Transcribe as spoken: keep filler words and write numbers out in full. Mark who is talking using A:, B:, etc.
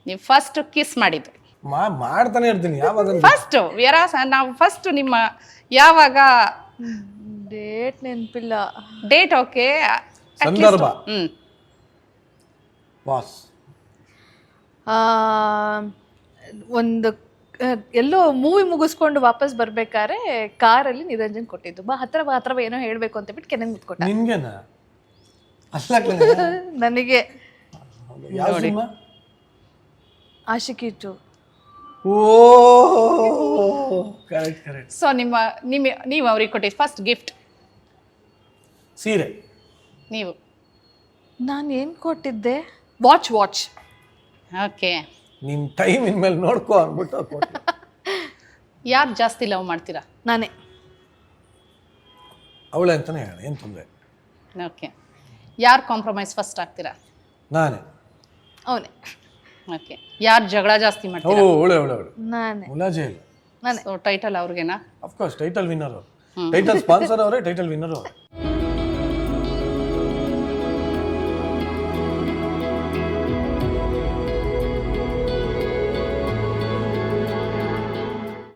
A: ನೀವು first kiss ಮಾಡಿದ್ದು
B: ಮಾ ಮಾಡ್ತಾನೆ ಇರ್ತೀನಿ ಯಾವಾಗ
A: ಫಸ್ಟ್ ವಿರಾಸ ನಾವು ಫಸ್ಟ್ ನಿಮ್ಮ ಯಾವಾಗ
C: ಡೇಟ್ ನೆನಪಿಲ್ಲ.
A: ಡೇಟ್ ಓಕೆ
B: ಸಂದರ್ಭ
A: ಹ್ಮ್
B: ಬಾಸ್
C: ಒಂದು ಆ, ಎಲ್ಲೋ ಮೂವಿ ಮುಗಿಸ್ಕೊಂಡು ವಾಪಸ್ ಬರ್ಬೇಕಾದ್ರೆ ಕಾರಲ್ಲಿ ನಿರಂಜನ್ ಕೊಟ್ಟಿದ್ದು, ಬಾ ಹತ್ರ ಬಾ ಹತ್ರ ಬಾ ಏನೋ ಹೇಳ್ಬೇಕು ಅಂತ ಬಿಟ್ಟು ಕೆನಂಗ್ ಮುತ್ಕೊಟ್ಟ
B: ನಿನ್ಗೆನ ಅಲ್ಲ ಕಣೆ.
C: ನನಗೆ.
B: ಯಾವ cinema?
C: Aashiqui two.
B: Oh correct correct.
A: So ನಿಮ್ಮ ನಿಮ್ಮ ನೀವು ಅವ್ರಿಗೆ ಕೊಟ್ಟಿದ್ದು ಫಸ್ಟ್ ಗಿಫ್ಟ್
B: ಸೀರೆ.
A: ನೀವು
C: ನಾನು ಏನು ಕೊಟ್ಟಿದ್ದೆ? Watch watch
A: okay.
B: ನಿನ್ ಟೈಮ್ ಇನ್ಮೇಲೆ ನೋಡ್ಕೋ ಅಂದ್ಬಿಟ್ಟು ಕೊಟ್ಟೆ.
A: ಯಾರು ಜಾಸ್ತಿ ಲವ್ ಮಾಡ್ತೀರಾ?
C: ನಾನೇ.
B: ಅವಳೆ ಅಂತಾನೆ ಹೇಳ, ಏನು ತೊಂದರೆ.
A: ಓಕೆ. ಯಾರು ಕಾಂಪ್ರಮೈಸ್ ಫಸ್ಟ್ ಆಗ್ತೀರಾ?
B: ನಾನೇ.
C: ಅವನೇ.
A: ಓಕೆ. ಯಾರು ಜಗಳ ಜಾಸ್ತಿ
B: ಓ
A: ಮಾಡ್ತೀರಾ?
B: ಒಳ್ಳೆ ಒಳ್ಳೆ ಒಳ್ಳೆ
C: ನಾನೇ.
B: ಮುಲಾಜೆ ಇಲ್ಲ.
C: ನಾನೇ.
A: ಸೊ ಟೈಟಲ್ ಅವ್ರಿಗೆನಾ?
B: ಅಫ್ಕೋರ್ಸ್ ಟೈಟಲ್ ವಿನ್ನರ್ ಅವರು, ಟೈಟಲ್ ಸ್ಪಾನ್ಸರ್ ಅವರೇ, ಟೈಟಲ್ ವಿನ್ನರ್ ಅವರು.